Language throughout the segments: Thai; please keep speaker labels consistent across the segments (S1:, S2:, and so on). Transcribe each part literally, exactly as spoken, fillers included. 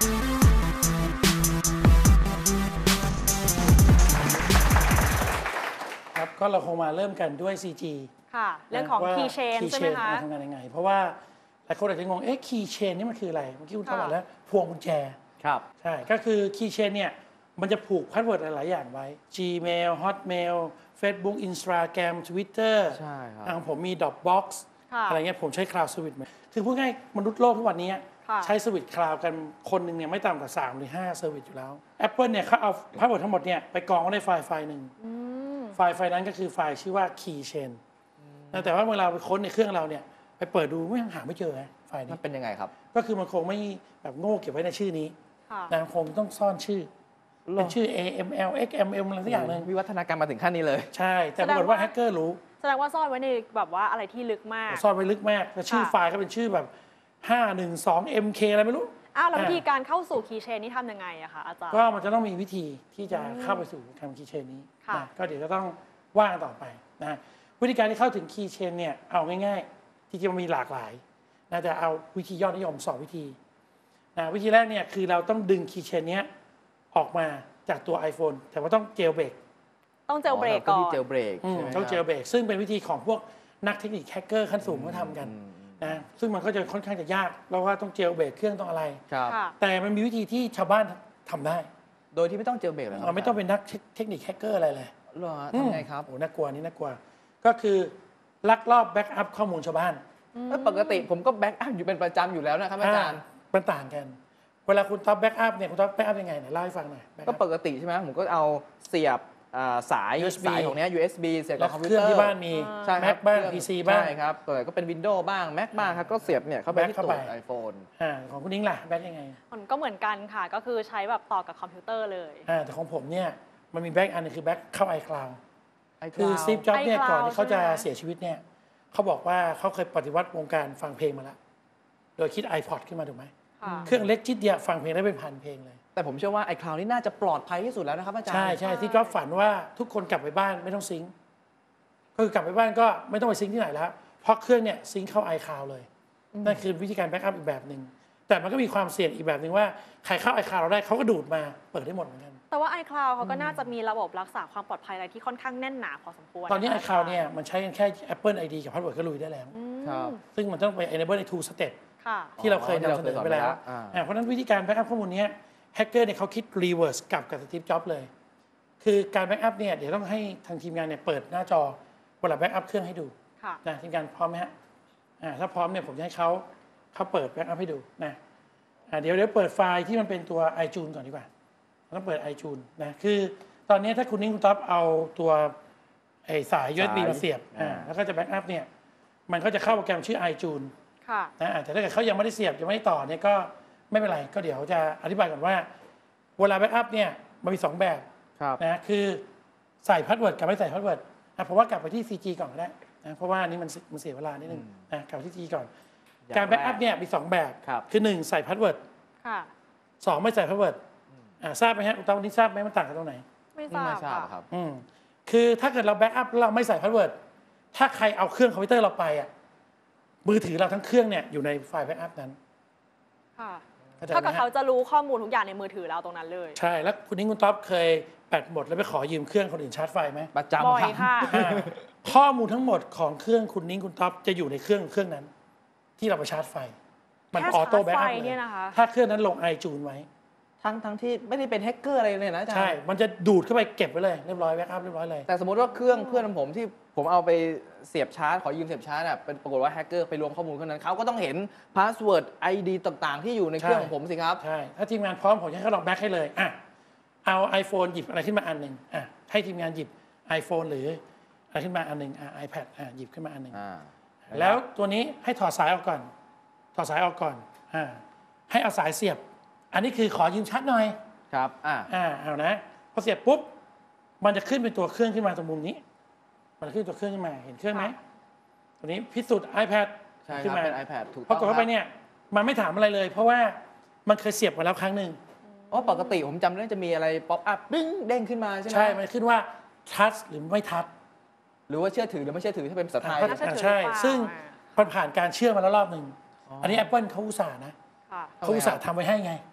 S1: ครับก็เราคงมาเริ่มกันด้วย ซี จี
S2: ค่ะเรื่องของ Keychain ใช่ไหมคะ
S1: ทำงานยังไงเพราะว่าหลายคนอาจจะงงเอ๊ะ Keychain นี่มันคืออะไรเมื่อกี้คุณทบอกแล้วพวงกุญแจ
S3: ครับ
S1: ใช่ก็คือ Keychain เนี่ยมันจะผูกพาสเวิร์ดหลายๆอย่างไว้ Gmail Hotmail Facebook Instagram Twitter
S3: ใช่ครับ
S1: ของผมมี Dropbox อะไรเงี้ยผมใช้ Cloud Service คือพูดง่ายมนุษย์โลกทุกวันนี้ใช้สวิตคลาวกันคนหนึ่งเนี่ยไม่ต่ำกว่าสามหรือห้าเซอร์วิสอยู่แล้ว Apple เนี่ยเขาเอาพาสเวิร์ดทั้งหมดเนี่ยไปกองไว้ในไฟล์ไฟล์หนึ่งไฟล์ไฟล์นั้นก็คือไฟล์ชื่อว่า Keychain แต่ว่าเมื่อเราไปค้นในเครื่องเราเนี่ยไปเปิดดูไม่หาไม่เจอไฟล์นี้
S3: มันเป็นยังไงครับ
S1: ก็คือมันคงไม่แบบโง่เก็บไว้ในชื่อนี้นะคงต้องซ่อนชื่อเป็นชื่อ เอ เอ็ม แอล เอ็กซ์ เอ็ม เอ็ม อะไรสักอย่างนึง
S3: วิวัฒนาการมาถึงขั้นนี้เลย
S1: ใช่แต่ปรากฏว่าแฮกเกอร์รู้
S2: แสดงว่าซ่อนไว้ในแบบว่าอะไรที่ลึกมาก
S1: ซ่อนไว้ลึกมากแล้วชื่อไฟล์ก็เป็นชื่อแบบห้าหนึ่งสอง เอ็ม เค อะไรไม่รู้
S2: อ้าวแล้ววิธีการเข้าสู่ Keychain นี่ทำยังไงอะคะอาจารย์
S1: ก็มันจะต้องมีวิธีที่จะเข้าไปสู่การ Keychain นี้นะก็เดี๋ยวจะต้องว่ากันต่อไปนะวิธีการที่เข้าถึง Keychain เนี่ยเอาง่ายๆที่จริงมันมีหลากหลายนะแต่เอาวิธียอดนิยมสองวิธีนะวิธีแรกเนี่ยคือเราต้องดึง Keychain เนี้ยออกมาจากตัว iPhone แต่ว่าต้องเจลเบรก
S2: ต้องเจลเบรกก่อน
S3: เจลเบรก
S1: ต้องเจลเบรกซึ่งเป็นวิธีของพวกนักเทคนิคแฮกเกอร์ขั้นสูงเขาทำกันนะซึ่งมันก็จะค่อนข้างจะยากแล้วว่าต้องเจลเบรกเครื่องต้องอะไรแต่มันมีวิธีที่ชาวบ้านทำได้
S3: โดยที่ไม่ต้องเจลเบรกเลย
S1: เราไม่ต้องเป็นนักเทคนิคแฮกเกอร์อะไรเลย
S3: หรอทำไงครับ
S1: โอ้น่ากลัวนี่น่ากลัวก็คือลักลอบแบ็กอัพข้อมูลชาวบ้าน
S3: ปกติผมก็แบ็กอัพอยู่เป็นประจำอยู่แล้วนะครับอาจารย์
S1: มันต่างกันเวลาคุณท็อปแบ็กอัพเนี่ยคุณท็อปแบ็กอัพยังไงเนี่ยเล่าให้ฟังหน่อย
S3: ก็ปกติใช่ไหมผมก็เอาเสียบสายสายของเนี้ย ยู เอส บี เสียบกับคอมพิวเตอร์
S1: ที่บ้านมี Mac บ้าง พี ซี บ้าง
S3: ใช่ครับเปิดก็เป็น Windows บ้าง Mac บ้างครับก็เสียบเนี่ยเข้าไปที่ตัว iPhone
S1: อ่าของคุณนิ้งล่ะแบ็กยังไง
S2: มันก็เหมือนกันค่ะก็คือใช้แบบต่อกับคอมพิวเตอร์เลย
S1: อ่าแต่ของผมเนี่ยมันมีแบ็กอันนึงคือแบ็กเข้า iCloud คือซีฟจ็อบเนี่ยก่อนที่เขาจะเสียชีวิตเนี่ยเขาบอกว่าเขาเคยปฏิวัติวงการฟังเพลงมาแล้วโดยคิด iPod ขึ้นมาถูกไหมเครื่องเล็กชิดเดียวฟังเพลงได้เป็นพันเพลงเลย
S3: แต่ผมเชื่อว่า iCloud นี่น่าจะปลอดภัยที่สุดแล้วนะครับอาจารย์
S1: ใช่ใช่ที่จ็อบฝันว่าทุกคนกลับไปบ้านไม่ต้องซิงค์ก็คือกลับไปบ้านก็ไม่ต้องไปซิงค์ที่ไหนแล้วเพราะเครื่องเนี่ยซิงค์เข้า iCloud เลยนั่นคือวิธีการแบ็กอัพอีกแบบหนึ่งแต่มันก็มีความเสี่ยงอีกแบบหนึ่งว่าใครเข้า iCloud เราได้เขาก็ดูดมาเปิดได้หมดเหมือนกัน
S2: แต่ว่า iCloud เขาก็น่าจะมีระบบรักษาความปลอดภัยอะไรที่ค่อนข้างแน่นหนาพอสมควร
S1: ตอนนี้ iCloud เนี่ยมันใช้กันแค่ Apple ไอ ดี กับ Password ก็ลุยได้แล้วซึ่งมันต้องไป enable ใน two step ที่เราเคยนำเสนอไปแล้วเพราะฉะนั้นวิธีการแบ็กอัพข้อมูลนี้แฮกเกอร์เนี่ยเขาคิด reverse กลับกับสตีฟจ็อบส์เลยคือการแบ็กอัพเนี่ยเดี๋ยวต้องให้ทางทีมงานเนี่ยเปิดหน้าจอเวลาแบ็กอัพเครื่องให้ดูนะทีมงานพร้อมไหมฮะถ้าพร้อมเนี่ยผมจะให้เขาเขาเปิดแบ็กอัพให้ดูนะเดี๋ยวเดี๋ยวเปิดไฟล์ที่มันเป็นตัว iTunes ก่อนดีกว่าต้องเปิด iTunes นะคือตอนนี้ถ้าคุณนิ้งคุณท็อปเอาตัวไอ้สาย ยู เอส บี มาเสียบแล้วก็จะแบ็กอัพเนี่ยมันก็จะเข้าโปรแกรมชื่อ iTunes นะแต่ถ้าเกิดเขายังไม่ได้เสียบยังไม่ได้ต่อเนี่ยก็ไม่เป็นไรก็เดี๋ยวจะอธิบายก่อนว่าเวลาแบ็กอัพเนี่ยมันมีสองแบบนะคือใส่พาสเวิร์ดกับไม่ใส่พาสเวิร์ดนะเพราะว่ากลับไปที่ ซี จี ก่อนก็ได้นะเพราะว่านี่มันมันเสียเวลานิดนึงนะกลับไปที่ ซี จี ก่อนการแบ็กอัพเนี่ยมีสองแบบคือหนึ่งใส่พาสเวิร์ดสองไม่ใส่พาสเวิร์ดทราบไหมฮะตอนนี้ทราบไหมมันต่างกันตรงไหน
S2: ไม่ทราบ
S3: ครับ
S1: คือถ้าเกิดเราแบ็กอัพแล้วเราไม่ใส่พาสเวิร์ดถ้าใครเอาเครื่องคอมพิวเตอร์เราไปอ่ะมือถือเราทั้งเครื่องเนี่ยอยู่ในไฟล์แบ็กอัพนั้น
S2: เท่ากับเขาจะรู้ข้อมูลทุกอย่างในมือถือเราตรงนั้นเลย
S1: ใช่แล้วคุณนิ้งคุณท็อปเคยแบตหมดแล้วไปขอยืมเครื่องคนอื่นชาร์จไฟไหม
S3: ประจำ
S2: บ่อยค่ะ
S1: ข้อมูลทั้งหมดของเครื่องคุณนิ้งคุณท็อปจะอยู่ในเครื่องเครื่องนั้นที่เราไปชาร์จไฟมันออโต้แบ็กอัพเลยถ้าเครื่องนั้นลงไอจูนไว้
S3: ทั้งทั้งที่ไม่ได้เป็นแฮกเกอร์อะไรเลยนะอาจารย์
S1: ใช่มันจะดูดเข้าไปเก็บไว้เลยเรียบร้อยแบ็กอัพเรียบร้อยเลย
S3: แต่สมมติว่าเครื่องเพื่อนผมที่ผมเอาไปเสียบชาร์จขอยืมเสียบชาร์จอ่ะเป็นปรากฏว่าแฮกเกอร์ไปรวมข้อมูลคนนั้นเขาก็ต้องเห็นพาสเวิร์ด ไอ ดี ต่างๆที่อยู่ในเครื่องของผมสิครับ
S1: ใช่ถ้าทีมงานพร้อมผมจะให้เขาลองแบ็กให้เลยอ่ะเอา iPhone หยิบอะไรขึ้นมาอันหนึ่งอ่ะให้ทีมงานหยิบ iPhone หรืออะไรขึ้นมาอันหนึ่งอ่ะ iPad อ่ะหยิบขึ้นมาอันหนึ่งแล้วตัวนี้ให้ถอดสายออกก่อนถอดสายออกก่อนอ่าให้เอาสายเสียบอันนี้คือขอยืมชาร์จหน่อย
S3: ครับอ่า
S1: อ่าเอานะพอเสียบปุ๊บมันจะขึ้นเป็นตัวเครื่องขึ้นมาตรงมุมนี้มันขึ้นตัวเครื่องขึ้นมาเห็นเครื่องไหมตัวนี้พิสูจน์ iPad
S3: ขึ้นมาเป็น iPad ถูกต้อง
S1: พอกดเข้าไปเนี่ยมันไม่ถามอะไรเลยเพราะว่ามันเคยเสียบมาแล้วครั้งหนึ่ง
S3: อ๋อปกติผมจำได้จะมีอะไรป๊อปอัพดึ้งเด้งขึ้นมาใช่ไหม
S1: ใช่มันขึ้นว่าทัชหรือไม่ทัช
S3: หรือว่าเชื่อถือหรือไม่เชื่อถือถ้าเป็นภาษาไทย
S1: ใช่ซึ่งมันผ่านการเชื่อมาแล้วรอบหนึ่งอันนี้ Apple เขาอุตส่าห์นะเขาอุตส่าห์ทำไว้ให้ไง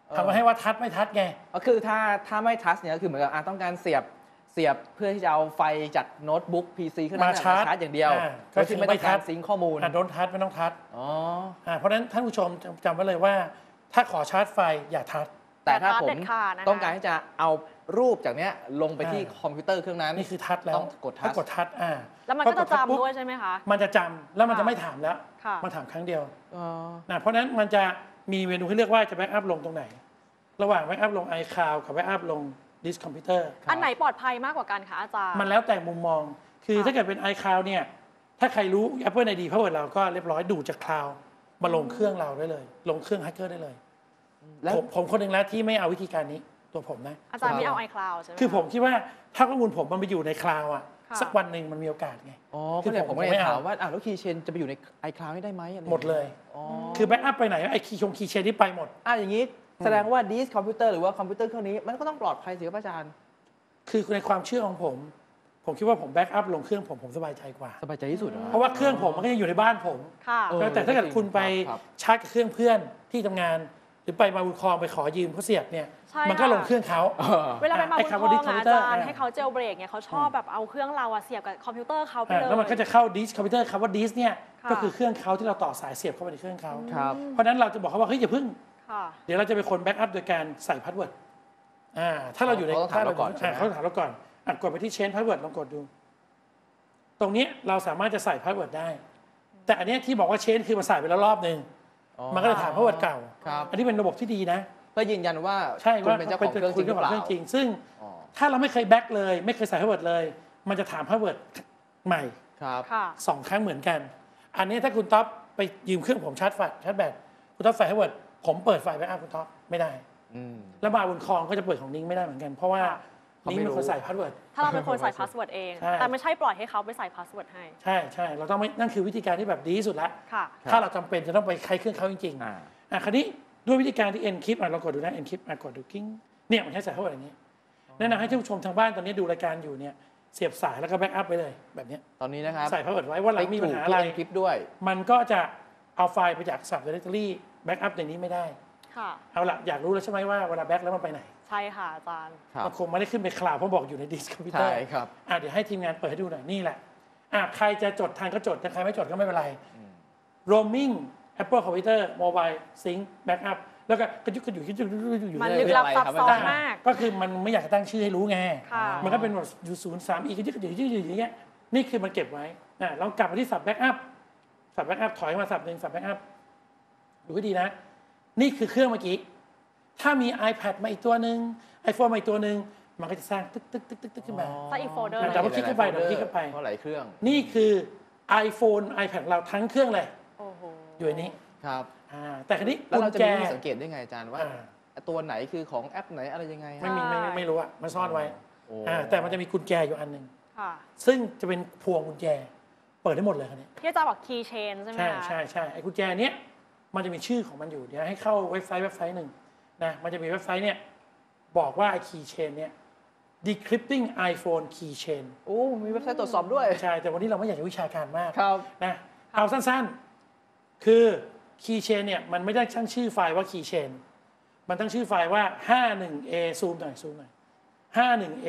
S1: ทำมาให้ว่าทัชไม่ทัชไง
S3: ก็คือถ้าถ้าไม่ทัชเนี่ยก็คือเหมือนกับอ่ะต้องการเสียบเสียบเพื่อที่จะเอาไฟจากโน้ตบุ๊ก พี ซี ขึ้นมาชาร์จอย่างเดียวก็คือไม่ต้องการซิงค์ข้อมูล
S1: โดนทัชไม่ต้องทัช
S3: อ๋อ
S1: เพราะฉะนั้นท่านผู้ชมจำไว้เลยว่าถ้าขอชาร์จไฟอย่าทัช
S3: แต่ถ้าผมต้องการที่จะเอารูปจากเนี้ยลงไปที่คอมพิวเตอร์เครื่องนั้น
S1: นี่คือทัชแล้ว
S3: ต้องกดทัช
S1: กดทัชอ่า
S2: แล้วมันก็จะจำด้วยใช่ไหมคะ
S1: มันจะจำแล้วมันจะไม่ถามแล้วมันถามครั้งเดียวนะเพราะฉะนั้นมันจะมีเมนูให้เลือกว่าจะแบ็กอัพลงตรงไหนระหว่างแบ็กอัพลง iCloud กับแบ็กอัพลงดิสคอมพิวเตอร์
S2: อันไหนปลอดภัยมากกว่ากันคะอาจารย์
S1: มันแล้วแต่มุมมองคือถ้าเกิดเป็น iCloud เนี่ยถ้าใครรู้ Apple ไอ ดี Password เราก็เรียบร้อยดูจากคลาวด์มาลงเครื่องเราได้เลยลงเครื่องแฮกเกอร์ได้เลยผมผมคนหนึ่งแล้วที่ไม่เอาวิธีการนี้ตัวผมนะ
S2: อาจารย์ไม่เอา iCloud ใช่ไหม
S1: คือผมคิดว่าถ้าข้อมูลผมมันไปอยู่ในคลาวด์อ่ะสักวันหนึ่งมันมีโอกาสไง
S3: อ๋อคือผมไม่ถามว่าอ่าแล้วคีย์เชนจะไปอยู่ใน iCloud ได้ไหม
S1: หมดเลยคือแบ็กอัพไปไหนไอ้คีย์ชงคีย์เชนที่ไปหมด
S3: อ่ะอย่างนี้แสดงว่าดิสคอมพิวเตอร์หรือว่าคอมพิวเตอร์เครื่องนี้มันก็ต้องปลอดภัยสิครับอาจารย์
S1: คือในความเชื่อของผมผมคิดว่าผมแบ็กอัพลงเครื่องผมผมสบายใจกว่า
S3: สบายใจที่สุด
S1: เพราะว่าเครื่องผมมันก็ยังอยู่ในบ้านผมแต่ถ้าเกิดคุณไปชาร์จกับเครื่องเพื่อนที่ทำงานหรือไปมาบุญคลองไปขอยืมเขาเสียบเนี่ยมันก็ลงเครื่องเขา
S2: เวลาไปมาบุญคลองอาจารย์ให้เขาเจลเบรกเนี่ยเขาชอบแบบเอาเครื่องเราเสียบกับคอมพิวเตอร์เขาไปเลย
S1: แล้วมันก็จะเข้าดิสคอมพิวเตอร์คำว่าดิสเนี่ยก็คือเครื่องเขาที่เราต่อสายเสียบเข้าไปในเครื่องเขาเพราะฉะนั้นเราจะบอกเขาว่าเฮ้ยอย่าพึ่งเดี๋ยวเราจะเป็นคนแบ็กอัพโดยการใส่พาสเวิร์ดอ่าถ้าเราอยู่ใน
S3: ถ้าเราก่อน
S1: เขาถามเราก่อนอ่ะกดไปที่เชนพาสเวิร์ดลองกดดูตรงนี้เราสามารถจะใส่พาสเวิร์ดได้แต่อันนี้ที่บอกว่าเชนคือมาใส่ไปแล้วรอบนึงมันก็จะถามพาสเวิร์ดเก่าอันนี้เป็นระบบที่ดีนะ
S3: เพื่อยืนยันว่า
S1: ใช่ว่า
S3: เป็นเจ้าของเครื่องจริงหรือเปล่า
S1: จริงซึ่งถ้าเราไม่เคยแบ็กเลยไม่เคยใส่พาสเวิร์ดเลยมันจะถามพาสเวิร์ดใหม่สองครั้งเหมือนกันอันนี้ถ้าคุณท็อปไปยืมเครื่องผมชาร์จไฟชาร์จแบตคุณท็อปใส่พาสเวิร์ดผมเปิดไฟแบ็กอัพคุณท็อปไม่ได้แล้วมาบนคลองก็จะเปิดของนิ้งไม่ได้เหมือนกันเพราะว่านิ้งเป็นคนใส่พาสเวิร์ด
S2: ถ้าเราเป็นคนใส่พาสเวิร์ดเองแต่ไม่ใช่ปล่อยให้เขาไปใส่พาสเวิร์ดให้
S1: ใช่ใช่เราต้องไม่นั่นคือวิธีการที่แบบดีที่สุดละถ้าเราจำเป็นจะต้องไปใช้เครื่องเขาจริงๆอ่ะคราวนี้ด้วยวิธีการที่ encrypt อ่ะเรากดดูนะ encrypt อ่ะกดดูกิ้งเนี่ยมันใช้ใส่พาสเวิร์ดอย่างนี้แนะนำให้ท่านผู้ชมทางบ้านตอนนี้ดูรายการอยู่เนี่ยเสียบสายแล้วก็แบ็กอัพไปเลยแบบนี้
S3: ตอนนี้นะครับ
S1: ใส่พาสเวิร์ดไว้ว่าเรามีปัญหาอะไร
S3: ด้วย
S1: มันก็จะเอาไฟล์ไปจาก sub directory แบ็กอัพในนี้ไม่ได้เอาละอยากรู้แล้วใช่ไหมว่าเวลาแบ็กแล้วมันไปไหน
S2: ใช่ค่ะอาจารย์
S1: มันคงไม่ได้ขึ้นไปคลาวด์เพราะบอกอยู่ในดิสคอมพิวเตอร์
S3: ใช่ครับ
S1: อ่ะเดี๋ยวให้ทีมงานเปิดให้ดูหน่อยนี่แหละอ่ะใครจะจดทางก็จดแต่ใครไม่จดก็ไม่เป็นไร roaming Apple Computer Mobile Sync Backup แล้วก็กระยุกกระยุกกระยุกอยู่
S2: มันลึกลับซับซ้อนมาก
S1: ก็คือมันไม่อยากตั้งชื่อให้รู้ไงมันก็เป็นแบบอยู่ศูนย์สามอีกกระยุกกระยุกกระยุกอย่างเงี้ยนี่คือมันเก็บไว้อ่ะลองกลับมาที่สับ Backup สับ Backup ถอยมาสับหนึ่งสับ Backup ดูให้ดีนะนี่คือเครื่องเมื่อกี้ถ้ามี iPad มาอีกตัวหนึ่ง iPhone มาอีกตัวหนึ่งมันก็จะสร้างตึ๊กตึ๊กตึ๊กตึ๊กตึ๊กขึ้นมา
S2: สร้างอีกโฟลเดอร์
S1: แต่ว่าคลิกเข้าไปเดี๋ยวคลิกเข้าไป
S3: เพราะหลายเครื่อง
S1: นี่คือ iPhone iPad เราทั้งเครื่องเลยอยู่ในนี้
S3: ครับ
S1: แต่คราวนี้
S3: แล้วเราจะมีสังเกตได้ไงอาจารย์ว่าตัวไหนคือของแอปไหนอะไรยังไง
S1: ไม่มีไม่ไม่รู้อะมันซ่อนไว้แต่มันจะมีกุญแจอยู่อันหนึ่งซึ่งจะเป็นพวงกุญแจเปิดได้หมดเลยคันนี้
S2: ที่อาจารย์บอก key chain ใช่ไหม
S1: ใช่ใช่ใช่ไอ้กุญแจเนี้ยมันจะมีชื่อของมันอยู่เดี๋ยวให้เข้าเว็บไซต์เว็บไซต์หนึ่งนะมันจะมีเว็บไซต์เนี่ยบอกว่าไอ้ key chain เนี่ย decrypting iPhone key chain
S3: โอ้มีเว็บไซต์ตรวจสอบด้วย
S1: ใช่แต่วันนี้เราไม่อยากจะวิชาการมาก
S3: ครับ
S1: นะเอาสั้นๆคือ key chain เนี่ยมันไม่ได้ตั้งชื่อไฟล์ว่า key chain มันตั้งชื่อไฟล์ว่า ห้าสิบเอ็ด เอ ซูมหน่อยซูมหน่อย ห้าสิบเอ็ด เอ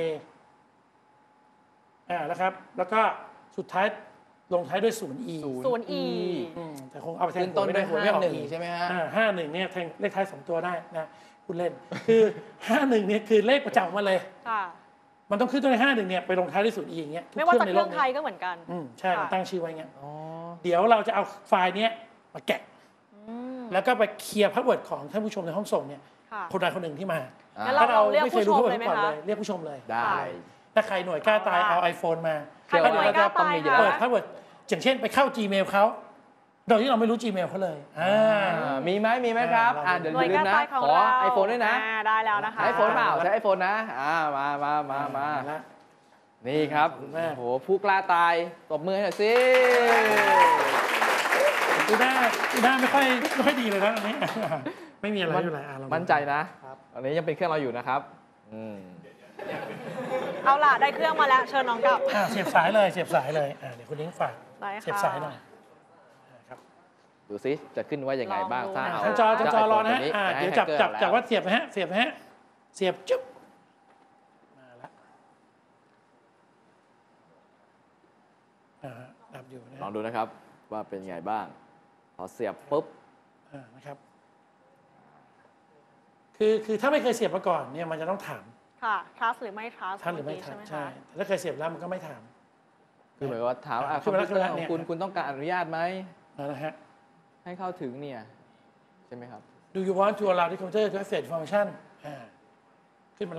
S1: อ่าแล้วครับแล้วก็สุดท้ายลงท้ายด้วย ศูนย์ อี
S2: ศูนย์ อี
S1: แต่คงเอาไปแทน
S3: ต้นด้วยห้าหนึ่งใช่ไหมฮะ
S1: ห้าหนึ่งเนี่ยแทงเลขท้ายสองตัวได้นะคุณเล่นคือห้าหนึ่งเนี่ยคือเลขประจำมาเลยมันต้องขึ้นต้นด้วยห้าหนึ่งเนี่ยไปลงท้ายด้วย ศูนย์ อี อย่างเงี้ย
S2: ไม่ว่าจะเครื่องไทยก็เหมือนกัน
S1: ใช่ตั้งชื่อไว้เงี้ยเดี๋ยวเราจะเอาไฟล์เนี้ยมาแกะแล้วก็ไปเคลียร์พาสเวิร์ดของท่านผู้ชมในห้องส่งเนี่ยคนใดคนหนึ่งที่มา
S2: ถ้าเราไม่เคยรู้พาสเวิร์ดก่อนเลย
S1: เรียกผู้ชมเลย
S3: ได้
S1: ถ้าใครหน่วยกล้าตายเอา iPhone มา
S2: เดี๋ยวเราจะ
S1: เปิดพาสเวิร์ดอย่างเช่นไปเข้า Gmail เขาโดยที่เราไม่รู้ Gmail เขาเลย
S3: มีไหมมีไหมครับเดี๋ยวลืมนะขอ iPhone ด้วยนะ
S2: ได้แล้วนะคะ
S3: iPhone เปล่าใช้ iPhone นะมามามามานี่ครับโอ้โหผู้กล้าตายตบมือให้หน่อยสิ
S1: ดูหน้าดูหน้าไม่ค่อยไม่ค่อยดีเลยนะอันนี้ไม่มีอะไรอยู่เลย
S3: มั่นใจนะอันนี้ยังเป็นเครื่องเราอยู่นะครับ
S2: เอาล่ะได้เครื่องมาแล้วเชิญน้องกลับ
S1: เสียบสายเลยเสียบสายเลยเดี๋ยวคุณนิ้งฝากเสียบสายหน่อยครับ
S3: ดูซิจะขึ้นว่ายังไงบ้าง
S2: ลองดู
S3: ถ้าเอา
S1: ทางจอทางจอรอนะฮะ
S3: เจ้า
S1: อ่า
S3: ไอโฟนตัวนี้
S1: เดี๋ยวจับ
S3: ให้
S1: จับ
S3: hacker
S1: จับ
S3: แล้ว
S1: ว่าเสียบนะฮะเสียบนะฮะเสียบจุ๊บมาละอ่าดับอยู่นะ
S3: ลองดูนะครับว่าเป็นไงบ้าง พอเสียบปุ๊บ
S1: อ่านะครับคือคือถ้าไม่เคยเสียบมาก่อนเนี่ยมันจะต้องถาม
S2: ค่ะ trust หรือไม่ trust
S1: ท่านหรือไม่
S2: เกี้
S1: ถาม
S2: ใช่
S1: ใช่
S2: ไหมคะ
S1: แต่ถ้าเคยเสียบแล้วมันก็ไม่ถาม
S3: คือเหมือนกับว่าถามอ่ะค
S1: ขึ้
S3: อน ม
S1: มา
S3: พิ
S1: แล้ว
S3: วเตอร์ของ
S1: ขึ้นมาแล้ว
S3: คุณ
S1: เนี่ย
S3: คุณต้องการอนุญาตไหม
S1: นะฮะ
S3: ให้เข้าถึงเนี่ยใช่ไหมครับ
S1: Do you want to allow the computer to access information อ่าขึ้นมาละ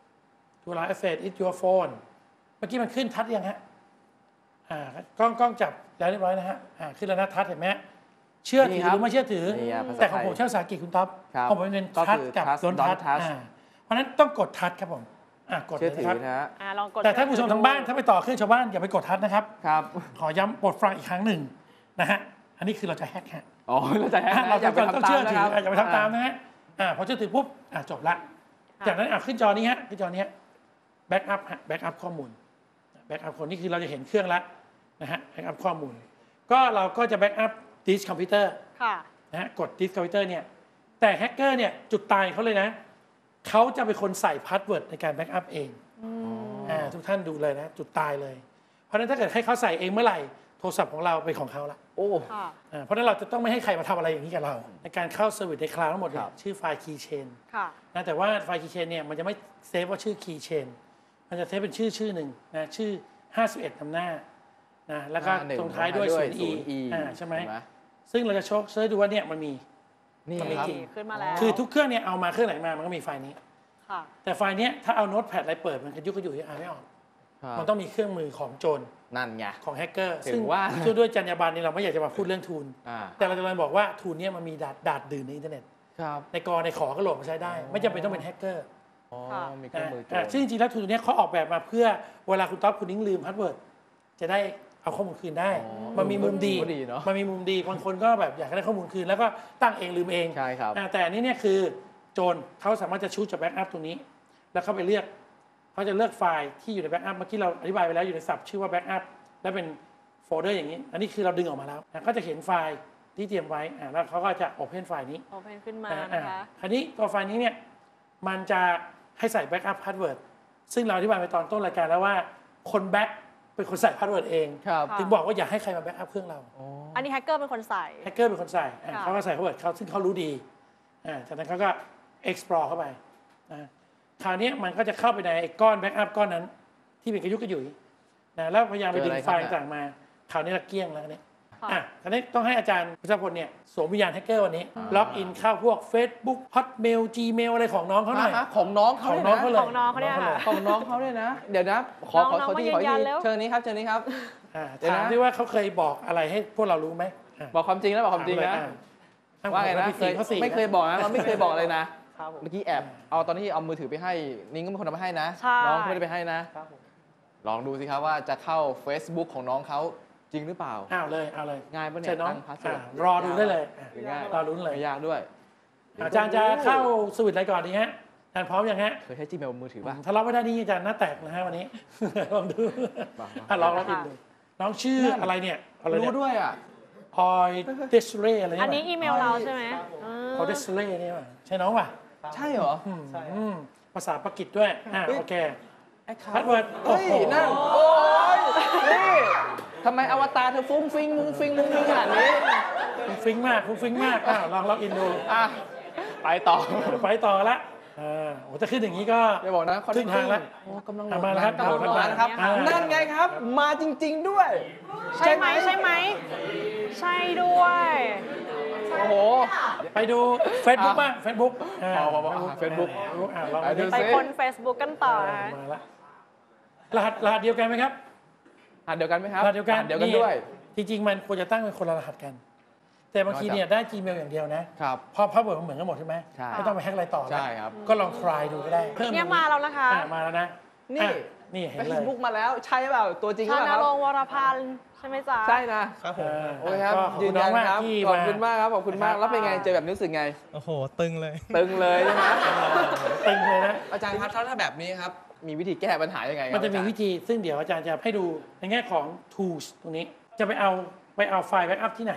S1: To allow access is your phone เมื่อกี้มันขึ้นทัดยังฮะอ่ากล้องกล้องจับแล้วเรียบร้อยนะฮะอ่าขึ้นแล้วนะทัดเห็นไหมเชื่อถื
S3: นี่
S1: อ
S3: ครั
S1: ห
S3: บ
S1: รือไม่เชื่อถือ
S3: นี่อ่ะภาษา
S1: แต่ของ
S3: ไทย
S1: ผมใช้ภาษาอังกฤษคุณท็อป
S3: ครับ
S1: ของผมเป็น
S3: ก็
S1: ทัด
S3: คือ
S1: กับ
S3: trust
S1: โดน
S3: don't
S1: ทัด
S3: touch
S1: อ่าเพราะฉะนั้นต้องกดทัดครับผมอ่ากด
S3: เชื่อ
S1: เลย
S3: ถื
S1: นะ
S3: อ
S1: ครับ
S3: นะฮะ
S2: อ่าลองกด
S1: แต่ท่านผู้ชมทางบ้านถ้าไปต่อเครื่องชาวบ้านอย่าไปกดทัดนะครับ
S3: ครับ
S1: ขอย้ำโปรดฟังอีกครั้งหนึ่งนะฮะอันนี้คือเราจะแฮกฮะ
S3: อ๋อเราจะแฮก
S1: อ่ะ
S3: นะ
S1: เรา
S3: อย่า
S1: จะ
S3: ไป
S1: ต้อง
S3: ทำตา
S1: เชื่
S3: ม
S1: อ
S3: นะ
S1: ถื
S3: ค
S1: อ
S3: รับ
S1: อ่ะอย่าไปทำตามนะฮะอ่าพอเชื่อถือปุ๊บอ่ะจบละ จากนั้นอ่ะขึ้นจอนี้ฮะขึ้นจอนี้แบ็กอัพฮะแบ็กอัพข้อมูลแบ็กอัพคนนี้คือเราจะเห็นเครื่องละนะฮะแบ็กอัพข้อมูล ก็เราก็จะแบ็กอัพดิสคอมพิวเตอร์
S2: ค่ะ
S1: นะฮะกดดิสคอมพิวเตอร์เนี่ยแต่แฮกเกอร์เนี่ยจุดตายเขาเลยนะเขาจะเป็นคนใส่พาสเวิร์ดในการแบ็กอัพเองอ่าทุกท่านดูเลยนะจุดตายเลย เพราะฉะนั้นถ้าเกิดให้เขาใส่เองเมื่อไหร่โทรศัพท์ของเราเป็นของเขาละ
S3: โอ้
S2: ค่ะ
S1: อ่าเพราะฉะนั้นเราจะต้องไม่ให้ใครมาทำอะไรอย่างนี้กับเรา ในการเข้าเซอร์วิสในคลาวด์ทั้งหมดเนี่
S3: ครั
S1: ย
S3: บ
S1: ชื่อไฟล์ Keychain
S2: ค่ะ
S1: นะแต่ว่าไฟล์ Keychain เนี่ยมันจะไม่เซฟว่าชื่อ Keychain มันจะเซฟเป็นชื่อชื่อหนึ่งนะชื่อห้าสิบเอ็ดนำหน้านะแล้วก็
S3: ห้าหนึ่ง
S1: ตรงท้ายด้วย
S3: ด้วย
S1: ศูนย์ e อ่าใช่ไหม
S3: เห็นไหม
S1: ซึ่งเราจะโชคเซิร์ชดูว่าเนี่ยมันมี
S3: นี่
S1: มันมี
S3: ครับ
S1: จริง
S2: ขึ้นมาแล้ว
S1: คือทุกเครื่องเนี่ยเอามาเครื่องไหนมามันก็มีไฟล์นี้
S2: ค่ะ
S1: แต่ไฟล์เนี้ยถ้าเอาโน้ตแพดอะไรเปิดมันกระยุกกระยุยอ่านไม่ออก
S3: ครับ
S1: มันต้องมีเครื่องมือของโจร
S3: นั่นไง
S1: ของแฮกเกอร์
S3: ถึง
S1: ซึ่ง
S3: ว่า
S1: ซึ่งด้วยจรรยาบรรณนี่เราไม่อยากจะมาพูดเรื่องทูล
S3: อ่า
S1: แต่เราจะมาบอกว่าทูลเนี่ยมันมีดาดดาดดื่นในอินเทอร์เน็ต
S3: ครับ
S1: ในกอในขอก็โหลดมาใช้ได้ ไม่จำเป็นต้องเป็นแฮกเกอร์
S3: อ๋อ
S2: ค่ะ
S3: มีเครื่องมือโจ
S1: อ่าร ซึ่งจริงๆแล้วทูลตัวเนี้ยเขาออกแบบมาเพื่อเวลาคุณต๊อบคุณนิ้งลืมพาสเวิร์ดจะได้เอาข้อมูลคืนได้
S3: อ๋อ
S1: มันมีมุมดี
S3: ก็ดีเนอะ
S1: มันมีมุมดีบางคนก็แบบอยากได้ข้อมูลคืนแล้วก็ตั้งเองลืมเอง
S3: ใช่ครับ
S1: อ่าแต่อันนี้เนี่ยคือโจรเขาสามารถจะชูจากแบ็กอัพตรงนี้ แล้วเข้าไปเลือกเขาจะเลือกไฟล์ที่อยู่ในแบ็กอัพเมื่อกี้เราอธิบายไปแล้วอยู่ในศัพท์ชื่อว่าแบ็กอัพและเป็นโฟลเดอร์อย่างนี้ อันนี้คือเราดึงออกมาแล้วอ่ะก็จะเห็นไฟล์ที่เตรียมไว้อ่าแล้วเขาก็จะโอเพนไฟล์นี้
S2: โอเพนขึ้นมา
S1: อ่า
S2: นะคะ
S1: อ่าคราวนี้ตัวไฟล์นี้เนี่ยมันจะให้ใส่แบ็กอัพพาสเวิร์ดซึ่งเราอธิบายไปตอนต้นรายการแล้วว่าคนแบ็กเป็นคนใส่พาสเวิร์ดเอง
S3: ครับ
S2: ค่ะ
S1: ถึงบอกว่าอย่าให้ใครมาแบ็กอัพเครื่องเรา
S3: อ๋อ
S2: อันนี้แฮกเกอร์เป็นคนใส่
S1: แฮกเกอร์เป็นคนใส่อ่า
S2: ค่ะ
S1: เขาก็ใส่พาสเวิร์ดเขาซึ่งเขารู้ดีอ่าจากนั้นเขาก็ explore เข้าไปนะคราวนี้มันก็จะเข้าไปในไอ้ก้อนแบ็กอัพก้อนนั้น ที่เป็นกระยุกกระยุยนะแล้วพยายามไปดึงไฟล์ต่างๆมาคราวนี้ละเกลี้ยงแล้วเนี่ย
S2: ค่ะ
S1: อ่ะคราวนี้ต้องให้อาจารย์พุทธพลเนี่ยสวมวิญญาณแฮกเกอร์วันนี้ ล็อกอินเข้าพวก Facebook Hotmail Gmail อะไรของน้องเขาหน่อย
S3: ฮะของน้องเขา
S1: ของ
S3: เลย
S1: น้องเขา
S3: นะ
S1: เลย
S2: ของน้องเขาเนี่ยค่ะ
S3: ของน้องเขาเลยนะ เดี๋ยวนะ ขอขอ
S2: น้องๆ
S3: ขอที่
S2: มา
S3: ขอ
S2: ยืนยั
S3: ที่
S2: นเร็ว
S3: เชิญนี้ครับเชิญนี้ครับ
S1: อ่า
S3: เดี๋ยวนะ
S1: ถามที่ว่าเขาเคยบอกอะไรให้พวกเรารู้ไหมอ่ะ
S3: บอกความจริงแล้วบอกความจริงนะ
S1: ถามเลยอ่ะ
S3: ว่าไงนะ
S1: พี่
S3: เค
S1: สี่
S3: ย
S1: เขาสี่
S3: ไม่เคยบอกนะเราไม่เคยบอกเลยนะ
S4: ครับผม
S3: เมื่อกี้แอบเอาตอนที่เอามือถือไปให้นิ้งก็เป็นคนเอาไปให้นะ
S2: ใช่
S3: น้องเขาไม่ได้ไปให้นะ
S4: ครับผม
S3: ลองดูสิครับว่าจะเข้า Facebook ของน้องเขาจริงหรือเปล่า
S1: อ้าวเลยเอาเลย
S3: ง่ายปะเนี่
S1: เชิ
S3: ย
S1: ญน้อง
S3: ตั้งพาสเวิร์ด
S1: อ่ะรอดูได้เลยอ่ะ
S3: ง่าย
S1: รอรุ้นเลย
S3: ไม่ยากด้วย
S1: อาจารย์จะเข้าสวิตช์อะไรก่อนดีฮะอาจารย์พร้อมยังฮะ
S3: เคยใช้ Gmail มือถือป่ะ
S1: ถ้าล็อกไม่ได้นี่อาจารย์หน้าแตกนะฮะวันนี้ ลองดู
S3: มามา
S1: อ่ะลองลองอินดูน้องชื่ออะไรเนี่ยอะไรเนี่
S3: รู้
S1: ย
S3: ด้วยอ่ะ
S1: ออยเดสเรอะไร
S2: อัน
S1: เนี่ย
S2: นี้อีเมลเราใช่ไหมอืม
S1: ออยเดสเรนี่ป่ะใช่น้องป่ะ
S3: ใช่เหรอ
S4: ใช่
S1: อืมภาษาปากีสด้วยอ่า
S3: เฮ้ย
S1: โอเค
S3: ไอ้ขา
S1: พาสเวิร์ดโอ้
S3: เฮ้ย
S1: โห
S3: นั่นโอ้ยนี่ทำไมอวตารเธอฟุ้งฟิงมุงฟิงมุงฟิงขนาดนี้
S1: ฟุ้งฟิ้งมากฟุ้งฟิ้งมากอ้าวลองล็อกอินดู
S3: อ่ะไปต่อ
S1: ไปต่อละอ่าโอ้จะขึ้นอย่างนี้ก็
S3: อย่าบอกนะ
S1: ครึ่งทางแล้ว
S3: โอ้กำลังโหล
S1: อ่ะ
S3: ด
S1: มาแล้วครับ
S3: กำลังโหลด
S1: โหลด
S3: มานะครับ
S1: อ่า
S3: นั่นไงครับ มาจริง ๆ ด้วย
S2: ใช่ไหมใช่ไหม ใช่ด้วย
S3: โอ้โห
S1: ไปดู Facebook บ้าง Facebook อ่า
S3: พอพอพออ่ะ Facebook
S1: อ่าลอง
S3: ไปดู
S2: ไป
S3: สิ
S2: คน Facebook กันต่อนะคะ
S1: มาละรหัสรหัสเดียวกันไหมครับ
S3: อ่านเดียวกันไหมครับ
S1: รหัสเดียวกัน
S3: อ่าเดียวกันด้วย
S1: จริงๆ มันควรจะตั้งเป็นคนละรหัสกัน แต่บางทีเนี่ยได้ Gmail อย่างเดียวนะครับ เพราะพาสเวิร์ดมันเหมือนกันหมดใช่ไหม
S3: ใช่
S1: ไม่ต้องไปแฮกอะไรต่อแล้ว
S3: ใช่ครับ
S1: ก็ลอง try ดูก็ได้เพิ่ม
S2: เนี่ย
S1: ตรง
S2: มาแล้วนะคะ
S1: อ่ามาแล้วนะ
S3: นี่
S1: อ่ะนี่เห็น
S3: เฟ
S1: เล
S3: ซ
S1: ย
S3: บุ๊กมาแล้วใช่เปล่าตัวจริงหรือ
S2: ชา
S3: เปล่าครับ
S2: นารงค์วรพันธ์ใช่ไหมจ๊ะ
S3: ใช่นะ
S4: ครับผม
S1: อ่า
S3: โอเคครับ
S1: ก็ขอบ
S3: ยื
S1: คุ
S3: น
S1: ณน้
S3: ยั
S1: อง
S3: น
S1: มาก
S3: ครับ
S1: ที่
S3: ขอบคุณมากครับขอบคุณมาก
S1: นะครับ
S3: แล้วเป็นไงเจอแบบนี้รู้สึกไง
S4: โอ้โห ตึงเลย
S3: ตึงเลยใช่ไหม
S1: ตึงเลยนะ
S3: อาจารย์ครับถ้าถ้าแบบนี้ครับมีวิธีแก้ปัญหายังไงครับ
S1: มันจะมี
S3: อาารย์
S1: วิธีซึ่งเดี๋ยวอาจารย์จะให้ดูในแง่ของ tools ตรงนี้ จะไปเอาไปเอาไฟล์แบ็กอัพที่ไหน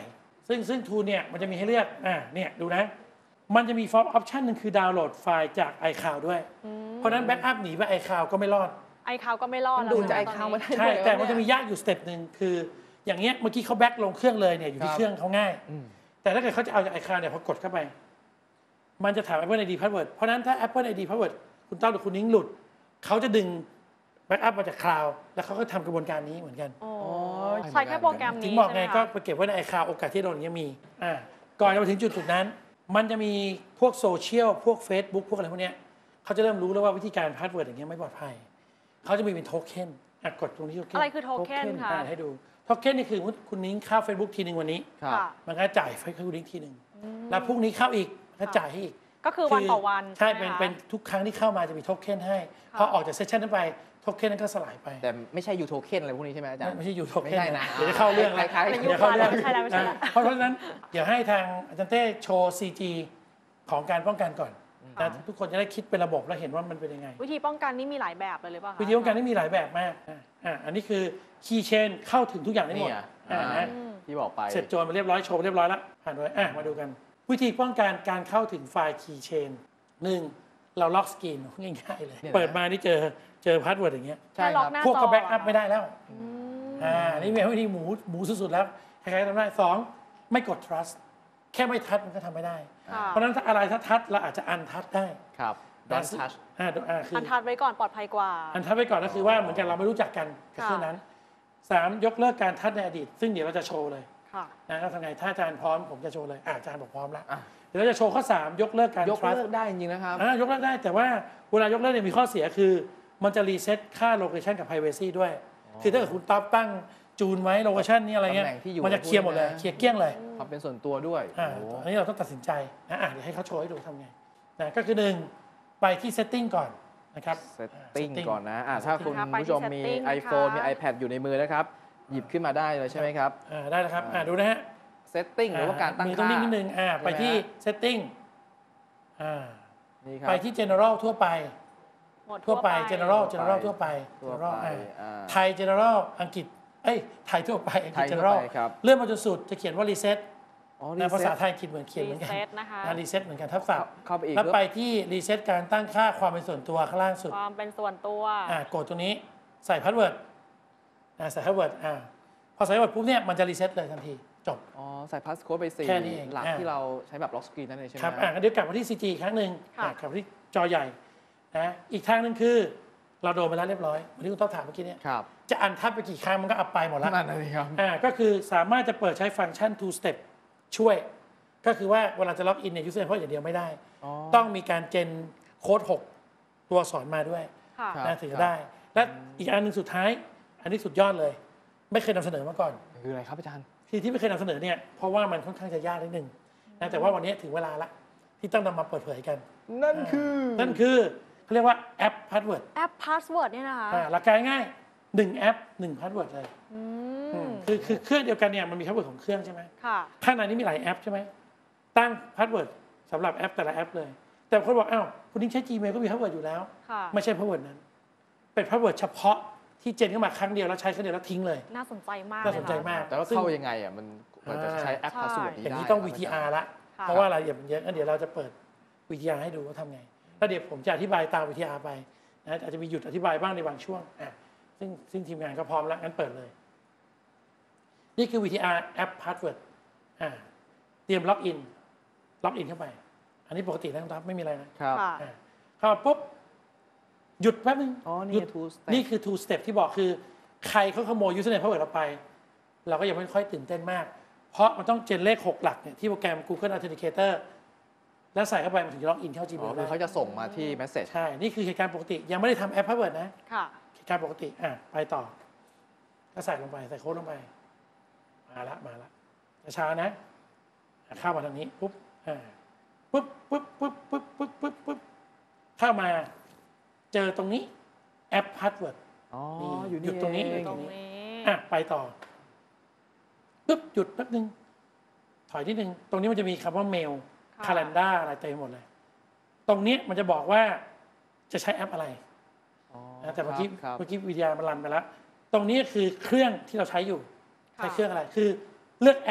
S1: ซึ่งซึ่ง Tool เนี่ยมันจะมีให้เลือกอ่าเนี่ยดูนะมันจะมี Form Option หนึ่งคือดาวน์โหลดไฟล์จาก iCloud ด้วยเพราะฉะนั้นแบ็กอัพหนีไป iCloud ก็ไม่รอด
S2: iCloud ก็ไม่รอด
S3: ดูจาก iCloud มาได้
S1: ใช่แต่มันจะมียากอยู่สเต็ปหนึ่งคืออย่างเงี้ยเมื่อกี้เขาแบ็กลงเครื่องเลยเนี่ยอยู่ที่เครื่องเขาง่ายแต่ถ้าเกิดเขาจะเอาจาก iCloud เนี่ยพอกดเข้าไปมันจะถาม Apple ไอ ดี Password เพราะฉะนั้นถ้า Apple ไอ ดี Password คุณต้อมหรือคุณนิ้งหลุดเขาจะดึงแบ็กอัพมาจากคลาวด์แล้วเขาก็ทำกระบวนการนี้เหมือนกัน
S2: ใช้แค่โปรแกรม
S1: ถึ
S2: นี้
S1: งบอกไง
S2: ใช่หม
S1: ก็
S2: คะ
S1: ไปเก็บไว้ใน iCloud โอกาสที่โดนอย่างเงี้ยมีอ่าก่อนจะมาถึงจุดจุดนั้น มันจะมีพวกโซเชียลพวก Facebook พวกอะไรพวกเนี้ยเขาจะเริ่มรู้แล้วว่าวิธีการพาสเวิร์ดอย่างเงี้ยไม่ปลอดภัยเขาจะมีเป็นโทเค็นอ่ะกดตรงที่โทเค็น
S2: อะไรคือโทเค็นคะ
S1: อ่านให้ดูโทเค็นนี่คือคุณนิ้งเข้า Facebook ทีหนึ่งวันนี้
S3: ครับ
S2: ค่ะ
S1: มันก็จ่ายไฟให้คุณนิ้งทีหนึ่งแล้วพรุ่งนี้เข้าอีกก็จ่ายให้อีก
S2: ก็คือวันต่อวัน
S1: ใช่
S2: ไหม
S1: เป็น
S2: คะ
S1: เป็นทุกครั้งที่เข้ามาจะมีโทเค็นให้พอออกจากเซสชันนั้นไปโทเค็นนั้นก็สลายไป
S3: แต่ไม่ใช่ยูโทเค็นอะไรพวกนี้ใช่ไหมอาจารย์
S1: ไม่ใช่อยู่โท
S3: ไม่
S1: เค็น
S3: ใช่นะ
S1: เดี๋ยวจะเข้าเรื่องแล้ว
S3: คล้ายๆ
S2: เป็น
S1: เดี๋ยวเข้าเรื่อง
S2: ไม่ใช่แล้วไม่ใช่แล้ว
S1: นะเพราะฉะนั้นเดี๋ยวให้ทางอาจารย์เต้โชว์ ซี จี ของการป้องกันก่อนนะทุกคนจะได้คิดเป็นระบบแล้วเห็นว่ามันเป็นยังไง
S2: วิธีป้องกันนี่มีหลายแบบเลยหรือเปล่าคะ
S1: วิธีป้องกันนี่มีหลายแบบมากอ่ะอ่ะอันนี้คือคีย์เชนเข้าถึงทุกอย่างได้หม
S3: นี่
S1: ด
S3: อ่ะ
S1: อ่ะ
S3: อ่า
S1: นะ
S3: ที่บอกไป
S1: เสร็จโจรมาเรียบร้อยโชว์เรียบร้อยแล้วผ่านไปอ่ะมาดูกัน วิธีป้องกันการเข้าถึงไฟล์คีย์เชนหนึ่งเราล็อกสกรีนง่ายๆเลย
S3: เนี่ยนะ
S1: เปิดมานี่เจอเจอพาสเวิร์ดอย่างเงี้ย
S3: ใช่
S2: แค่
S3: ค
S2: ล็
S3: รั
S2: อก
S3: บ
S2: หน้า
S1: พวก
S2: จ
S1: ก็
S2: อ
S1: แบ็กอัพไม่ได้แล้ว
S2: อืม
S1: อ่า นี่เป็นวิธีหมูหมูสุดๆแล้วใครๆทำได้สองไม่กด trust แค่ไม่ทัชมันก็ทำไม่ได้
S2: ค่ะ
S1: เพราะฉะนั้นถ้าอะไรถ้าทัชเราอาจจะอันทัชได้
S3: ครับ don't touch
S1: อ่าอ่าคือ
S2: อันทัดไว้ก่อนปลอดภัยกว่า
S1: อันทัชไปก่อนก็คือว่าเหมือนกันเราไม่รู้จักกันกับ
S2: ค่ะ
S1: เครื่องนั้นสามยกเลิกการทัชในอดีต ซึ่งเดี๋ยวเราจะโชว์เลย
S2: ค่ะ
S1: นะก็ทำไงถ้าอาจารย์พร้อมผมจะโชว์เลยอะอาจารย์บอกพร้อมแล้ว
S3: อ่ะ
S1: เดี๋ยวเราจะโชว์ข้อสามยกเลิกการ
S3: ยก
S1: trust
S3: เลิกได้จริงๆนะครับ
S1: อ่ายกเลิกได้แต่ว่าเวลายกเลิกเนี่ยมีข้อเสียคือ มันจะรีเซ็ตค่าโลเคชันกับ privacy ด้วย คือถ้าเกิดคุณต๊อบตั้งจูนไว้โลเคชันนี้อะไรเงี้ย
S3: ตำแหน่งที่อยู่
S1: มันจะเคลียร์หมดเลย
S3: พูดนะ
S1: เคลียร์เกลี้ยงเลย
S3: ความเป็นส่วนตัวด้วย
S1: อ่า
S3: โอ้โห
S1: อันนี้เราต้องตัดสินใจนะอ่ะเดี๋ยวให้เขาโชว์ให้ดูทำไงนะก็คือหนึ่งไปที่ setting ก่อนนะครับ
S3: เซตติ้ง
S1: setting
S3: ก่อนนะอ่ะถ้าคุณ
S2: นะคะไปที่
S3: ผู้ชมมี
S2: setting นะคะ
S3: iPhone มี iPad อยู่ในมือนะครับ หยิบขึ้นมาได้เลยใช่ไหมครับ
S1: อ่าได้แล้วครับอ่าดูนะฮะ
S3: เซตติ้งหรือว่าการตั้ง
S1: มือต้อง
S3: ค่า
S1: นิ่งนิดนึงอ่าไปที่ setting อ่า
S3: นี่ครับ
S1: ไปที่ general ทั่วไป
S2: หมด
S1: ทั่วไป general
S3: ทั่วไป
S1: general ทั่วไป
S3: ทั่ว
S1: general
S3: ไป
S1: อ่า
S3: อ่า
S1: ไทย general อังกฤษเอ้ยไทยทั่วไปอังกฤษ
S3: ไทยทั่ว
S1: general
S3: ไปครับ
S1: เลื่อนมาจนสุดจะเขียนว่า reset
S3: อ๋อ
S1: นะภาษา
S3: reset
S1: ไทยอังกฤษเหมือนเขียนเหมือนกัน
S2: รีเซ็ตนะคะ
S1: รีเซ็ตเหมือนกันทับศัพท์
S3: เข้าไปอีก
S1: แล้วไปที่รีเซ็ตการตั้งค่าความเป็นส่วนตัวข้างล่างสุด
S2: ความเป็นส่วนตัว
S1: อ่ากดตรงนี้ใส่พาสเวิร์ดอ่าใส่พาสเวิร์ดอ่าพอใส่พาสเวิร์ดปุ๊บเนี่ยมันจะรีเซ็ตเลยทันทีจบ
S3: อ๋อใส่พาสโค้ดไปสี่
S1: แค่นี้เอง
S3: หลัก
S1: อ่า
S3: ที่เราใช้แบบล็อกสกรีนนั่นเองใช่ไหม
S1: ครับอ่าเดี๋ยวกลับมาที่ ซี จี อีกครั้งหนึ่ง
S2: ค่ะ
S1: อ่ากลับมาที่จอใหญ่นะอีกทางหนึ่งคือเราโดนไปแล้วเรียบร้อยวันนี้คุณต้องถามเมื่อกี้เนี่ย
S3: ครับ
S1: จะอันทับไปกี่ครั้งมันก็อัพไปหมดแล้ว
S3: นั่นเลยครับ
S1: อ่าก็คือสามารถจะเปิดใช้ฟังก์ชัน two step ช่วย ก็คือว่าเวลาจะล็อกอินเนี่ย user input อย่างเดียวไม่ได้
S3: อ๋อ
S1: ต้องมีการเจนโค้ดหกตัวสอนมาด้วย
S2: ค่ะ
S3: ครับ
S1: นะถึงจะได้ และอีกอันหนึ่งสุดท้าย อันนี้สุดยอดเลย ไม่เคยนำเสนอมาก่อน
S3: คืออะไรครับอาจารย์
S1: ที่ที่ไม่เคยนำเสนอเนี่ยเพราะว่ามันค่อนข้างจะยากนิดนึงนะแต่ว่าวันนี้ถึงเวลาละที่ต้องนำมาเปิดเผยกัน
S3: นั่นคือ
S1: นั่นคือเขาเรียกว่าแอปพาสเวิร์ด
S2: แอปพาสเวิร์ดเนี่ยนะคะ
S1: หลักการง่ายหนึ่งแอปหนึ่งพาสเวิร์ดเลย
S2: อื
S1: อื
S2: ม
S1: มคือคือเครื่องเดียวกันเนี่ยมันมีพาสเวิร์ดของเครื่องใช่ไหม
S2: ค่ะ
S1: ข้างในนี้มีหลายแอปใช่ไหมตั้งพาสเวิร์ดสำหรับแอปแต่ละแอปเลย แต่คนบอกอ้าวคุณนิ้งใช้ Gmail ก็มีพาสเวิร์ดอยู่แล้ว
S2: ค่ะ
S1: ไม่ใช่พาสเวิร์ดนั้น เป็นพาสเวิร์ดเฉพาะที่เจนเข้ามาครั้งเดียวแล้วใช้ครั้งเดียวแล้วทิ้งเลย
S2: น่าสนใจมาก
S1: น่าสนใจ
S2: เลยค่ะ
S1: มาก
S3: แต่ว่า
S1: ซึ่ง
S3: เข้ายังไงอ่ะมันมันจะใช้แอป
S2: ใช่
S3: พาสเวิร์ดนี้
S1: อย่าง
S3: ได้
S1: นี้ต้อง
S3: ค
S1: วี
S3: บ
S1: ที อาร์ ละ
S2: ค่ะ
S1: เพราะว่ารายละเอียดมันเยอะงั้นเดี๋ยวเราจะเปิด วี ที อาร์ ให้ดูว่าทำไง แล้วเดี๋ยวผมจะอธิบายตาม วี ที อาร์ ไปนะอาจจะมีหยุดอธิบายบ้างในบางช่วงอ่ะซึ่งซึ่งทีมงานก็พร้อมแล้วงั้นเปิดเลย นี่คือ วี ที อาร์ แอปพาสเวิร์ดอ่าเตรียมล็อกอินล็อกอินเข้าไป อันนี้ปกตินะครับไม่มีอะไรนะครับ
S2: ค่ะ
S1: อ่าเข้ามาปุ๊บหยุดแป๊บนึง
S3: อ๋อ
S1: หยุ
S3: นี่
S1: ด
S3: two step
S1: นี่คือ two step ที่บอกคือ ใครเขาขโมย username password เราไป เราก็ยังไม่ค่อยตื่นเต้นมาก เพราะมันต้องเจนเลขหกหลักเนี่ยที่โปรแกรม Google Authenticator แล้วใส่เข้าไปมันถึงจะล็อกอินเข้า
S3: อ๋อ
S1: Gmail
S3: คือ
S1: ได้
S3: เขาจะส่งมาที่เมสเซจ
S1: ใช่ นี่คือเหตุการณ์ปกติ ยังไม่ได้ทำแอป password นะ
S2: ค่ะ
S1: เหตุการณ์ปกติ อ่ะ ไปต่อ ก็ใส่ลงไป ใส่โค้ดลงไป มาละ มาละช้าๆนะอ่ะเข้ามาทางนี้ ปุ๊บ อ่า ปุ๊บ ปุ๊บ ปุ๊บ ปุ๊บ ปุ๊บ ปุ๊บ ปุ๊บ เข้ามา เจอตรงนี้ แอป password
S3: อ๋อ
S1: นี่
S3: อยู่นี่
S1: หยุดตรงนี้
S3: เอ
S2: ตรงนี้
S1: อ่ะ ไปต่อ ปุ๊บ หยุดแป๊บนึง ถอยนิดนึง ตรงนี้มันจะมีคำว่าเมล
S2: ค่ะ
S1: คาล endar อะไรเต็มหมดเลย ตรงนี้มันจะบอกว่าจะใช้แอปอะไร
S3: อ๋อ
S1: นะแต่เมื่อกี้
S3: ครับ
S1: เมื่อกี้วิทยามันรันไปแล้ว ตรงนี้คือเครื่องที่เราใช้อยู่
S2: ค่ะ
S1: ใช้เครื่องอะไร คือเลือกแอป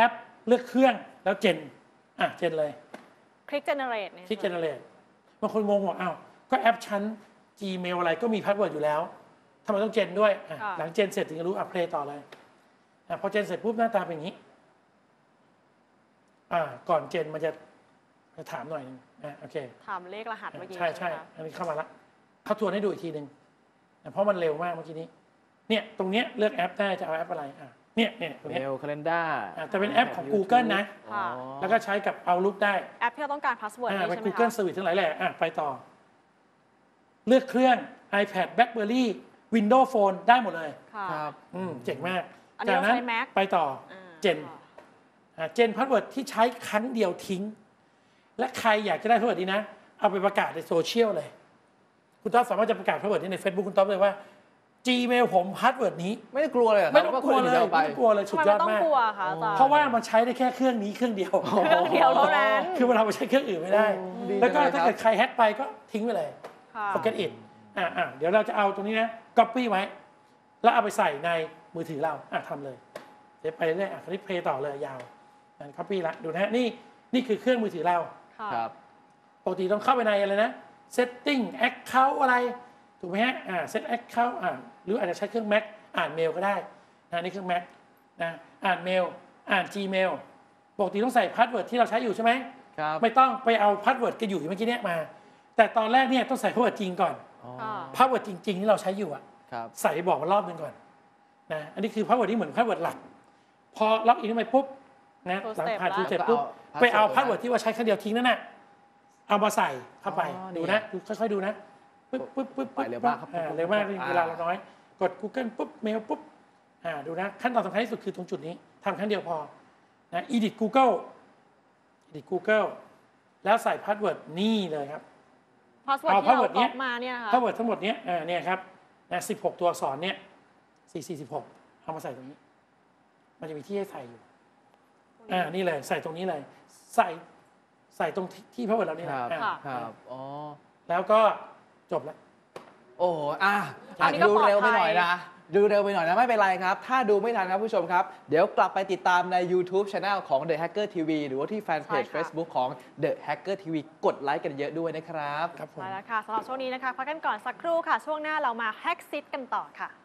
S1: เลือกเครื่องแล้วเจนอ่ะเจนเลย
S2: คลิก generate เนี่ย
S1: คลิกเจนเลยบางคนงงว่าอ้าวก็แอปชั้น Gmail อะไรก็มีพาสเวิร์ดอยู่แล้วทำไมต้องเจนด้วยอ่ะหลังเจนเสร็จถึงจะรู้อัพเพลย์ต่อเลยอ่ะพอเจนเสร็จปุ๊บหน้าตาเป็นอย่างนี้อ่าก่อนเจนมันจะจะถามหน่อยนึงอ่ะโอเค
S2: ถามเลขรหัสเมื่อกี้
S1: ใช่ใช่
S2: ไหมคะ
S1: อันนี้เข้ามาละเขาทวนให้ดูอีกทีหนึ่งอ่ะเพราะมันเร็วมากเมื่อกี้นี้เนี่ยตรงเนี้ยเลือกแอปได้จะเอาแอปอะไรอ่ะเนี่ยเนี่ยตรง
S3: เม
S1: เนี้ย
S3: ลคาล endar
S1: อ่ะแต่เป็นแอปของ Google นะ
S2: ค่ะ
S1: แล้วก็ใช้กับ Outlook ได้
S2: แอปที่เราต้องการพาสเวิร์ด
S1: อ่า
S2: นี่
S1: เป็น
S2: ใช่ไหม
S1: Google
S2: คะ
S1: Service ทั้งหลายแหละอ่ะไปต่อ เลือกเครื่อง iPad BlackBerry Windows Phone ได้หมดเลย
S2: ค่ะ
S3: ครับ
S1: อืมเจ๋งมาก
S2: อันนี้
S1: จาก
S2: เราใช้ Mac
S1: ไปต่อ
S2: อ่า
S1: เจน อ่าเจนพาสเวิร์ดที่ใช้ครั้งเดียวทิ้ง และใครอยากจะได้พาสเวิร์ดนี้นะ เอาไปประกาศในโซเชียลเลย คุณต๊อบสามารถจะประกาศพาสเวิร์ดนี้ใน Facebook คุณต๊อบเลยว่า Gmail ผมพาสเวิร์ดนี้
S3: ไม่ได้กลัวเลยเหรอครับ
S1: ไม่ต้องกลัวเลย
S3: าคนอื่นอาไป
S1: ไม่ต้องกลัวเลยสุ
S2: ทำ
S1: ด
S2: ไม
S1: ยอ
S2: ไม่
S1: ด
S2: ต้อง
S1: มาก
S2: กลัวคะอาจารย์
S1: เพราะว่ามันใช้ได้แค่เครื่องนี้เครื่องเดียว
S2: เครื่องเดียวเท่านั้น
S1: คือเราไปใช้เครื่องอื่นไม่ได้
S3: โอ้ดี
S1: แล้วก็
S3: จังเลยครับ
S1: ถ้าเกิดใครแฮ็กไปก็ทิ้งไปเลย
S2: ค่ะ
S1: forget it อ่าอ่าเดี๋ยวเราจะเอาตรงนี้นะ copy ไว้ แล้วเอาไปใส่ในมือถือเราอ่ะทำเลย เดี๋ยวไปเรื่อยอ่ะคลิกเพลย์ต่อเลยยาวนั่น copy ละดูนะฮะนี่นี่คือเครื่องมือถือเรา
S2: ค่ะ
S3: ครับ
S1: ปกติต้องเข้าไปในอะไรนะ setting account อะไร ถูกไหมฮะอ่า set account อ่าหรืออาจจะใช้เครื่อง Mac อ่านเมลก็ได้นะนี่เครื่อง Mac นะอ่านเมลอ่าน Gmail ปกติต้องใส่พาสเวิร์ดที่เราใช้อยู่ใช่ไหม
S3: ครับ
S1: ไม่ต้องไปเอาพาสเวิร์ดกันอยู่เมื่อกี้เนี้ยมา แต่ตอนแรกเนี่ยต้องใส่พาสเวิร์ดจริงก่อน
S3: อ๋อ
S2: ค่ะ
S1: พาสเวิร์ดจริง ๆ ที่เราใช้อยู่อะ
S3: ครับ
S1: ใส่ไปบอกมันรอบหนึงก่อนนะอันนี้คือพาสเวิร์ดที่เหมือนพาสเวิร์ดหลัก พอล็อกอินเข้าไปปุ๊บนะ
S2: Two
S1: หลัง
S2: step
S1: ผ่าน
S2: ละ
S1: ทูเสร็จ
S3: แล้วก็
S1: ปุ๊บ
S3: เอา
S1: ไปเอา
S3: password
S1: พาสเวิร์ดที่ว่าใช้ครั้งเดียวทิ้งนั่นน่ะเอามาใส่เข้าไป
S3: อ๋อ
S1: ดู
S3: นี่
S1: นะดูค่อยๆดูนะปึ๊บปึ๊บปึ๊บ
S3: ไปเร็วมากครับ
S1: อ่
S3: ปุ๊บ
S1: เร็วมาก
S3: ปุ๊บ
S1: เวลาเราน้อย กด Google ปุ๊บเมลปุ๊บอ่าดูนะขั้นตอนสำคัญที่สุดคือตรงจุดนี้ทำครั้งเดียวพอนะ edit Google edit Google แล้วใส่พาสเวิร์ดนี่เลยครับ
S2: พาสเวิร์ด
S1: เอา
S2: ที่เรา
S1: password เนี้
S2: ก๊อย ปมาเนี่ยนะคะ
S1: พาสเวิร์ดทั้งหมดเนี้ยอ่าเนี่ยครับนะสิบหกตัวอักษรเนี่ยสี่สี่สิบหกเอามาใส่ตรงนี้ มันจะมีที่ให้ใส่อยู่อ่านี่เลยใส่ตรงนี้เลย ใส่ใส่ตรงที่ที่พาสเวิร์ดเรานี่
S3: ค
S1: แหละ
S3: รับ
S1: อ่า
S3: ครับอ๋อ
S1: แล้วก็จบแล้ว
S3: โอ้โหอ่ะ
S2: อั
S3: อาจ
S2: นนี้
S3: จะ
S2: ก็
S3: ดู
S2: ปลอด
S3: เร็วไปหน่อย
S2: ภัย
S3: นะ ดูเร็วไปหน่อยนะ ไม่เป็นไรครับ ถ้าดูไม่ทันครับผู้ชมครับ เดี๋ยวกลับไปติดตามใน YouTube Channel ของ The Hacker ที วี หรือว่าที่แฟนเพจ
S2: ใช่ค่ะ
S3: Facebook ของ The Hacker ที วี กดไลค์กันเยอะด้วยนะครับ
S1: ครับผม
S2: ใช่แล้วค่ะสำหรับช่วงนี้นะคะพักกันก่อนสักครู่ค่ะ ช่วงหน้าเรามาแฮกซิตกันต่อค่ะ